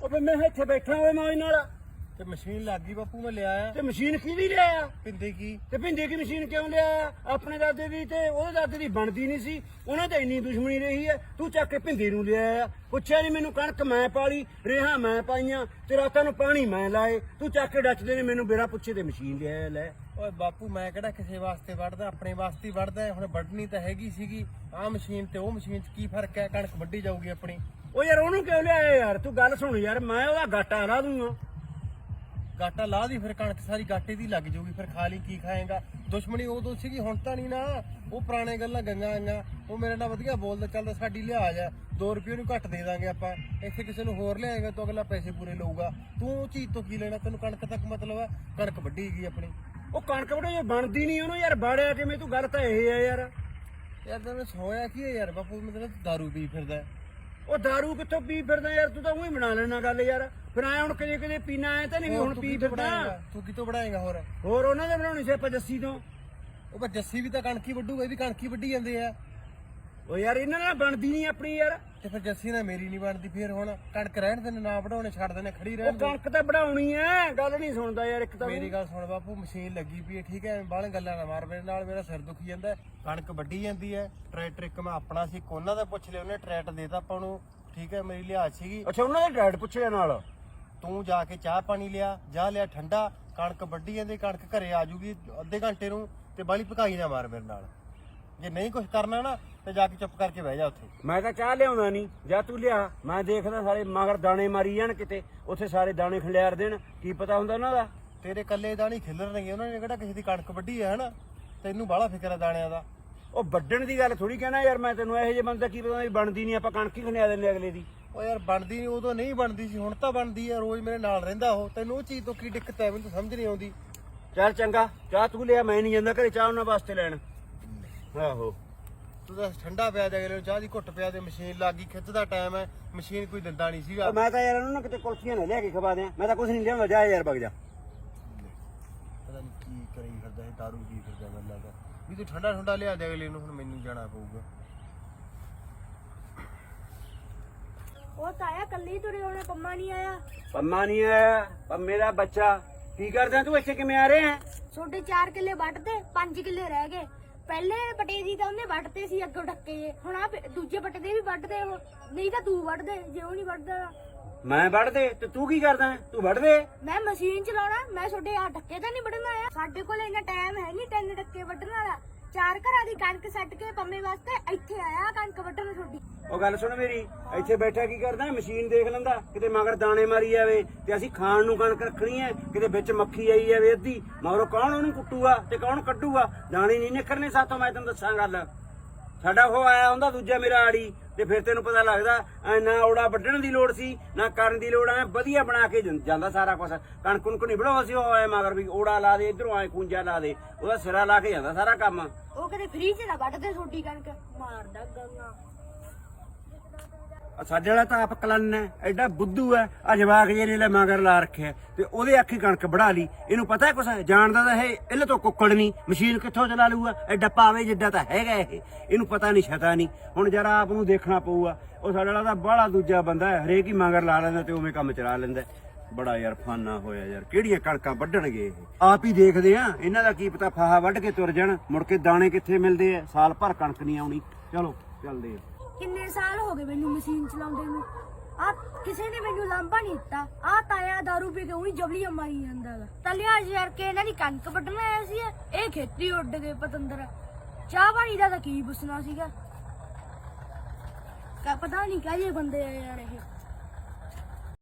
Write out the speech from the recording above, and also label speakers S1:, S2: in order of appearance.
S1: ਉਹ ਫਿਰ ਮੈਂ ਇੱਥੇ ਬੈਠਾ ਹੋਇਆ ਮੌਜ ਨਾਲ।
S2: ਤੇ ਮਸ਼ੀਨ ਲੱਗ ਗਈ ਬਾਪੂ, ਮੈਂ ਲਿਆਇਆ।
S1: ਤੇ ਮਸ਼ੀਨ ਕਿਹਦੀ ਲਿਆਇਆ?
S2: ਪਿੰਦੇ ਕੀ?
S1: ਤੇ ਭਿੰਦੇ ਕੀ ਮਸ਼ੀਨ ਕਿਉਂ ਲਿਆਇਆ? ਆਪਣੇ ਦਾਦੇ ਦੀ ਤੇ ਉਹਦੇ ਦਾਦੇ ਦੀ ਬਣਦੀ ਨਹੀਂ ਸੀ, ਉਹਨਾਂ ਤੇ ਇੰਨੀ ਦੁਸ਼ਮਣੀ ਰਹੀ ਹੈ, ਤੂੰ ਚੱਕ ਕੇ ਭਿੰਦੇ ਨੂੰ ਲਿਆਇਆ। ਪੁੱਛਿਆ ਨਹੀਂ ਮੈਨੂੰ, ਕਣਕ ਮੈਂ ਪਾਲੀ, ਰੇਹਾਂ ਮੈਂ ਪਾਈਆਂ ਤੇ ਰਾਤਾਂ ਨੂੰ ਪਾਣੀ ਮੈਂ ਲਾਏ, ਤੂੰ ਚੱਕ ਕੇ ਡੱਚਦੇ ਨੇ ਮੈਨੂੰ ਬਿਨਾਂ ਪੁੱਛੇ ਤੇ ਮਸ਼ੀਨ ਲਿਆਇਆ। ਲੈ
S2: ਓਏ ਬਾਪੂ, ਮੈਂ ਕਿਹੜਾ ਕਿਸੇ ਵਾਸਤੇ ਵੜਦਾ, ਆਪਣੇ ਵਾਸਤੇ ਹੀ ਵੜਦਾ। ਹੁਣ ਵੱਢਣੀ ਤਾਂ ਹੈਗੀ ਸੀਗੀ। ਆਹ ਮਸ਼ੀਨ ਤੇ ਉਹ ਮਸ਼ੀਨ 'ਚ ਕੀ ਫਰਕ ਹੈ? ਕਣਕ ਵੱਢੀ ਜਾਊਗੀ ਆਪਣੀ।
S1: ਉਹ ਯਾਰ ਉਹਨੂੰ ਕਿਉਂ ਲਿਆਇਆ ਯਾਰ? ਤੂੰ ਗੱਲ ਸੁਣ ਯਾਰ, ਮੈਂ ਉਹਦਾ ਗਾਟਾ ਲਾ ਦੂੰਗਾ।
S2: ਗਾਟਾ ਲਾ ਦੀ, ਫਿਰ ਕਣਕ ਸਾਰੀ ਗਾਟੇ ਦੀ ਲੱਗ ਜਾਊਗੀ, ਫਿਰ ਖਾ ਲਈ ਕੀ ਖਾਏਗਾ? ਦੁਸ਼ਮਣੀ ਉਦੋਂ ਸੀਗੀ, ਹੁਣ ਤਾਂ ਨਹੀਂ ਨਾ। ਉਹ ਪੁਰਾਣੇ ਗੱਲਾਂ ਗੰਗਾ ਆਈਆਂ। ਉਹ ਮੇਰੇ ਨਾਲ ਵਧੀਆ ਬੋਲਦਾ ਚੱਲਦਾ, ਸਾਡੀ ਲਿਹਾਜ਼ ਆ, 2 ਰੁਪਏ ਨੂੰ ਘੱਟ ਦੇ ਦਾਂਗੇ ਆਪਾਂ। ਇੱਥੇ ਕਿਸੇ ਨੂੰ ਹੋਰ ਲਿਆਏਗਾ ਤਾਂ ਅਗਲਾ ਪੈਸੇ ਪੂਰੇ ਲਊਗਾ। ਤੂੰ ਉਹ ਚੀਜ਼ ਤੋਂ ਕੀ ਲੈਣਾ? ਤੈਨੂੰ ਕਣਕ ਤੱਕ ਮਤਲਬ ਆ? ਕਣਕ ਵੱਢੀ ਗਈ ਆਪਣੀ।
S1: ਉਹ ਕਣਕ ਵੜੇ ਜੇ ਬਣਦੀ ਨਹੀਂ ਉਹਨੂੰ ਯਾਰ, ਬਾੜਿਆ ਕਿਵੇਂ? ਤੂੰ ਗੱਲ ਤਾਂ ਇਹ ਹੈ ਯਾਰ।
S2: ਯਾਰ ਤੈਨੂੰ ਸੋਇਆ ਕੀ ਹੈ ਯਾਰ ਬਾਪੂ? ਮਤਲਬ ਦਾਰੂ ਪੀ ਫਿਰਦਾ।
S1: ਉਹ ਦਾਰੂ ਕਿੱਥੋਂ ਪੀ ਫਿਰਦਾ ਯਾਰ? ਤੂੰ ਤਾਂ ਉਹੀ ਬਣਾ ਲੈਣਾ ਗੱਲ ਯਾਰ। ਫਿਰ ਐ ਹੁਣ ਕਦੇ ਕਦੇ ਪੀਣਾ ਐ ਤਾਂ ਨਹੀਂ ਵੀ ਹੁਣ ਪੀ ਫਿਰਦਾ।
S2: ਤੂੰ ਕਿਤੋਂ ਬਣਾਏਗਾ?
S1: ਹੋਰ ਉਹਨਾਂ ਦੇ ਬਣਾਉਣੀ ਸੀ ਆਪਾਂ ਜੱਸੀ ਤੋਂ।
S2: ਉਹ ਬਸ ਜੱਸੀ ਵੀ ਤਾਂ ਕਣਕੀ ਵੱਢੂਗਾ, ਇਹ ਵੀ ਕਣਕੀ ਵੱਢੀ ਜਾਂਦੇ ਆ।
S1: ਉਹ ਯਾਰ ਇਹਨਾਂ ਨਾਲ ਬਣਦੀ ਨਹੀਂ ਆਪਣੀ ਯਾਰ।
S2: ਤੇ ਫਿਰ ਜੱਸੀ ਨਾਲ ਮੇਰੀ ਨਹੀਂ ਬਣਦੀ। ਫਿਰ ਹੁਣ ਕਣਕ ਰਹਿਣ ਦੇ, ਨਾ ਵਢਾਉਣੇ ਛੱਡ ਦੇਣੇ, ਖੜੀ
S1: ਉਹ
S2: ਰਹਿਣ ਦੇ।
S1: ਕਣਕ ਤਾਂ ਬਣਾਉਣੀ ਐ, ਗੱਲ ਨਹੀਂ ਸੁਣਦਾ ਯਾਰ ਇੱਕ ਤਾਂ।
S2: ਮੇਰੀ ਗੱਲ ਸੁਣ ਬਾਪੂ, ਮਸ਼ੀਨ ਲੱਗੀ ਪਈ ਹੈ, ਠੀਕ ਹੈ? ਬਾਹਲੇ ਗੱਲਾਂ ਨਾ ਮਾਰ ਮੇਰੇ ਨਾਲ, ਮੇਰਾ ਸਿਰ ਦੁਖੀ ਜਾਂਦਾ। ਕਣਕ ਵੱਢੀ ਜਾਂਦੀ ਹੈ, ਟਰੈਕਟਰ ਇੱਕ ਮੈਂ ਆਪਣਾ ਸੀ, ਕੋਨਾ ਦਾ ਪੁੱਛ ਲਿਆ, ਉਹਨੇ ਟਰੈਕਟਰ ਦੇਤਾ ਆਪਾਂ ਨੂੰ, ਠੀਕ ਹੈ? ਮੇਰੀ ਲਿਹਾਜ਼ ਸੀਗੀ।
S1: ਅੱਛਾ, ਉਹਨਾਂ ਦੇ ਡੈਡ ਪੁੱਛਿਆ ਨਾਲ।
S2: ਤੂੰ ਜਾ ਕੇ ਚਾਹ ਪਾਣੀ ਲਿਆ, ਜਾ ਲਿਆ ਠੰਡਾ। ਕਣਕ ਵੱਢੀ ਜਾਂਦੀ, ਕਣਕ ਘਰੇ ਆ ਜੂਗੀ ਅੱਧੇ ਘੰਟੇ ਨੂੰ। ਤੇ ਬਾਲੀ ਭਕਾਈ ਨਾ ਮਾਰ ਮੇਰੇ ਨਾਲ। ਜੇ ਨਹੀਂ ਕੁਝ ਕਰਨਾ ਨਾ ਤੇ ਜਾ ਕੇ ਚੁੱਪ ਕਰਕੇ ਬਹਿ ਜਾ ਉੱਥੇ।
S1: ਮੈਂ ਤਾਂ ਚਾਹ ਲਿਆਉਂਦਾ ਨਹੀਂ, ਜਾਂ ਤੂੰ ਲਿਆ। ਮੈਂ ਦੇਖਦਾ ਸਾਰੇ ਮਗਰ ਦਾਣੇ ਮਾਰੀ ਜਾਣ ਕਿਤੇ, ਉੱਥੇ ਸਾਰੇ ਦਾਣੇ ਖਿਲਾਰ ਦੇਣ, ਕੀ ਪਤਾ ਹੁੰਦਾ ਉਹਨਾਂ ਦਾ।
S2: ਤੇਰੇ ਕੱਲੇ ਦਾਣੇ ਖਿਲਰਨਗੇ, ਉਹਨਾਂ ਨੇ ਕਿਹੜਾ ਕਿਸੇ ਦੀ ਕਣਕ ਵੱਢੀ ਹੈ ਹਨਾ? ਤੈਨੂੰ ਬਾਹਲਾ ਫਿਕਰ ਹੈ ਦਾਣਿਆਂ ਦਾ।
S1: ਉਹ ਵੱਢਣ ਦੀ ਗੱਲ ਥੋੜੀ ਕਹਿਣਾ ਯਾਰ ਮੈਂ ਤੈਨੂੰ। ਇਹੋ ਜਿਹੇ ਬੰਦੇ ਕੀ ਪਤਾ ਵੀ ਬਣਦੀ ਨਹੀਂ, ਆਪਾਂ ਕਣਕ ਹੀ ਖਿਲਾ ਦਿੰਦੇ ਅਗਲੇ ਦੀ।
S2: ਉਹ ਯਾਰ ਬਣਦੀ ਨਹੀਂ, ਉਦੋਂ ਨਹੀਂ ਬਣਦੀ ਸੀ, ਹੁਣ ਤਾਂ ਬਣਦੀ ਹੈ। ਰੋਜ਼ ਮੇਰੇ ਨਾਲ ਰਹਿੰਦਾ ਉਹ। ਤੈਨੂੰ ਉਹ ਚੀਜ਼ ਤੋਂ ਕੀ ਦਿੱਕਤ ਹੈ? ਮੈਨੂੰ ਸਮਝ ਨਹੀਂ ਆਉਂਦੀ।
S1: ਚੱਲ ਚੰਗਾ, ਚਾਹ ਤੂੰ ਲਿਆ, ਮੈਂ ਨਹੀਂ ਜਾਂਦਾ ਘਰੇ ਚਾਹ ਉਹਨਾਂ ਵਾਸਤੇ ਲੈਣ। ਆਹੋ,
S2: ਤੂੰ ਤਾਂ ਠੰਡਾ ਪਿਆ ਦੇ, ਅਗਲੇ ਨੂੰ ਚਾਹ ਦੀ ਘੁੱਟ ਪਿਆ ਦੇ। ਮਸ਼ੀਨ ਲੱਗ ਗਈ, ਖਿੱਚ ਦਾ ਟਾਈਮ ਹੈ, ਮਸ਼ੀਨ ਕੋਈ ਦਿੰਦਾ ਨਹੀਂ ਸੀਗਾ।
S1: ਮੈਂ ਤਾਂ ਯਾਰ ਉਹਨੂੰ ਕਿਤੇ ਕੁਲਫੀਆਂ ਨਾ ਲਿਆ ਕੇ ਖਵਾ ਦਿਆਂ। ਮੈਂ ਤਾਂ ਕੁਝ ਨਹੀਂ ਲਿਆਉਂਦਾ, ਜਾ ਯਾਰ ਵਗ ਜਾ।
S2: ਪਤਾ ਨਹੀਂ ਕੀ ਕਰੀ ਫਿਰਦਾ ਇਹ, ਦਾਰੂ ਪੀ ਫਿਰਦਾ। ਮੈਨੂੰ ਲੱਗਦਾ ਵੀ ਤੂੰ ਠੰਡਾ ਠੰਡਾ ਲਿਆ ਦੇ ਅਗਲੇ ਨੂੰ। ਹੁਣ ਮੈਨੂੰ ਜਾਣਾ ਪਊਗਾ।
S3: ਉਹ ਤਾਇਆ ਕੱਲੀ ਤੁਰੇ ਹੋਣੇ, ਪੰਮਾ ਨਹੀਂ ਆਇਆ।
S1: ਪੰਮਾ ਨਹੀਂ ਆਇਆ? ਪੰਮੇ ਦਾ ਬੱਚਾ ਕੀ ਕਰਦਾ? ਤੂੰ ਇੱਥੇ ਕਿਵੇਂ ਆ ਰਿਹਾ?
S3: ਛੋਟੇ 4 ਕਿੱਲੇ ਵੱਢਦੇ, 5 ਕਿੱਲੇ ਰਹਿ ਗਏ। ਪਹਿਲੇ ਪਟੇ ਦੀ ਤਾਂ ਉਹਨੇ ਵੱਢਦੇ ਸੀ ਅੱਗੋਂ ਢੱਕੇ ਜੇ। ਹੁਣ ਆ ਦੂਜੇ ਪਟੇ ਦੇ ਵੀ ਵੱਢਦੇ ਉਹ, ਨਹੀਂ ਤਾਂ ਤੂੰ ਵੱਢਦੇ ਜੇ ਉਹ ਨਹੀਂ ਵੱਢਦਾ।
S1: ਮੈਂ ਵੱਢ ਦੇ ਤੇ ਤੂੰ ਕੀ ਕਰਦਾ? ਤੂੰ ਵੱਢ ਦੇ।
S3: ਮੈਂ ਮਸ਼ੀਨ ਚਲਾਉਣਾ, ਮੈਂ ਛੋਟੇ ਆ ਢੱਕੇ ਤਾਂ ਨਹੀਂ ਵੱਢਣਾ ਆ। ਸਾਡੇ ਕੋਲ ਇੰਨਾ ਟਾਈਮ ਹੈ ਨਹੀਂ 3 ਢੱਕੇ ਵੱਢਣ ਵਾਲਾ। 4 ਘਰਾਂ ਦੀ ਕਣਕ ਸੱਟ ਕੇ ਪੰਮੇ ਵਾਸਤੇ ਇੱਥੇ ਆਇਆ ਕਣਕ ਵੱਢਣ ਛੋਟੀ।
S1: ਉਹ ਗੱਲ ਸੁਣ ਮੇਰੀ, ਇੱਥੇ ਬੈਠਾ ਕੀ ਕਰਦਾ? ਮਸ਼ੀਨ ਦੇਖ ਲੈਂਦਾ, ਕਿਤੇ ਮਗਰ ਦਾਣੇ ਮਾਰੀ ਜਾਵੇ ਤੇ ਅਸੀਂ ਖਾਣ ਨੂੰ ਕਣਕ ਰੱਖਣੀ ਐ, ਕਿਤੇ ਵਿੱਚ ਮੱਖੀ ਆਈ ਜਾਵੇ ਅੱਧੀ, ਮਗਰੋਂ ਕੌਣ ਉਹਨੂੰ ਕੁੱਟੂਗਾ ਤੇ ਕੌਣ ਕੱਢੂਗਾ? ਦਾਣੇ ਨਹੀਂ ਨਿਕਲਣੇ ਸਾਥੋਂ, ਮੈਂ ਤੈਨੂੰ ਦੱਸਾਂ ਗੱਲ। ਸਾਡਾ ਉਹ ਆਇਆ ਹੁੰਦਾ ਦੂਜਾ ਮੇਰਾ ਆੜੀ, ਤੇ ਫਿਰ ਤੈਨੂੰ ਪਤਾ ਲੱਗਦਾ ਨਾ ਔੜਾ ਵੱਢਣ ਦੀ ਲੋੜ ਸੀ ਨਾ ਕਰਨ ਦੀ ਲੋੜ। ਐ ਵਧੀਆ ਬਣਾ ਕੇ ਜਾਂਦਾ ਸਾਰਾ ਕੁਛ। ਕਣਕ ਕੁਣਕ ਨਹੀਂ ਬਣਾਉਂਦਾ ਸੀ ਉਹ, ਐ ਮਗਰ ਵੀ ਔੜਾ ਲਾ ਦੇ, ਇਧਰੋਂ ਐ ਖੂੰਜਾ ਲਾ ਦੇ, ਉਹਦਾ ਸਿਰਾ ਲਾ ਕੇ ਜਾਂਦਾ ਸਾਰਾ ਕੰਮ।
S3: ਉਹ ਕਦੇ ਫ੍ਰੀ ਚ ਨਾ ਵੱਢਦੇ ਛੋਟੀ ਕਣਕ, ਮਾਰਦਾ ਗੰਗਾ।
S1: ਸਾਡੇ ਵਾਲਾ ਤਾਂ ਆਪ ਕਲਨ ਹੈ, ਐਡਾ ਬੁੱਧੂ ਹੈ। ਆ ਜਵਾਕ ਜੇ ਨੇ ਲੈ ਮਗਰ ਲਾ ਰੱਖਿਆ ਤੇ ਉਹਦੇ ਆਖੀ ਕਣਕ ਵੜਾ ਲਈ। ਇਹਨੂੰ ਪਤਾ ਕੁਛ ਜਾਣਦਾ ਤਾਂ ਇਹ ਇਹਲੇ ਤੋਂ ਕੁੱਕੜ ਨਹੀਂ, ਮਸ਼ੀਨ ਕਿੱਥੋਂ ਚਲਾ ਲੂਗਾ? ਐਡਾ ਪਾਵੇ ਜਿੱਡਾ ਤਾਂ ਹੈਗਾ ਇਹ, ਇਹਨੂੰ ਪਤਾ ਨਹੀਂ ਛਤਾ ਨਹੀਂ। ਹੁਣ ਜਰਾ ਆਪ ਨੂੰ ਦੇਖਣਾ ਪਊਗਾ। ਉਹ ਸਾਡੇ ਵਾਲਾ ਤਾਂ ਬਾਹਲਾ ਦੂਜਾ ਬੰਦਾ ਹੈ, ਹਰੇਕ ਹੀ ਮਗਰ ਲਾ ਲੈਂਦਾ ਤੇ ਉਵੇਂ ਕੰਮ ਚਲਾ ਲੈਂਦਾ। ਬੜਾ ਯਾਰ ਫਾਨਾ ਹੋਇਆ ਯਾਰ, ਕਿਹੜੀਆਂ ਕਣਕਾਂ ਵੱਢਣਗੇ ਇਹ? ਆਪ ਹੀ ਦੇਖਦੇ ਆ, ਇਹਨਾਂ ਦਾ ਕੀ ਪਤਾ ਫਾਹਾ ਵੱਢ ਕੇ ਤੁਰ ਜਾਣ, ਮੁੜ ਕੇ ਦਾਣੇ ਕਿੱਥੇ ਮਿਲਦੇ ਆ? ਸਾਲ ਭਰ ਕਣਕ ਨਹੀਂ ਆਉਣੀ। ਚਲੋ ਚੱਲਦੇ ਆ।
S3: ਕਿੰਨੇ ਸਾਲ ਹੋ ਗਏ ਮੈਨੂੰ ਮਸ਼ੀਨ ਚਲਾਉਂਦੇ ਨੂੰ, ਆ ਕਿਸੇ ਨੇ ਮੈਨੂੰ ਲਾਂਭਾ ਨਹੀਂ ਦਿੱਤਾ। ਆ ਤਾਇਆ ਦਾਰੂ ਪੀ ਕੇ ਉਹੀ ਜਬਲੀਆਂ ਮਾਰੀ ਜਾਂਦਾ ਵਾ। ਤਲਿਆ ਯਾਰ ਕੇ ਇਹਨਾਂ ਦੀ ਕਣਕ ਵੱਢਣ ਆਇਆ ਸੀ, ਇਹ ਖੇਤੀ ਉੱਡ ਗਏ ਪਤੰਦਰ। ਚਾਹ ਪਾਣੀ ਦਾ ਤਾਂ ਕੀ ਪੁੱਛਣਾ ਸੀਗਾ? ਪਤਾ ਨਹੀਂ ਕਾਹਦੇ ਬੰਦੇ ਆ ਯਾਰ ਇਹ।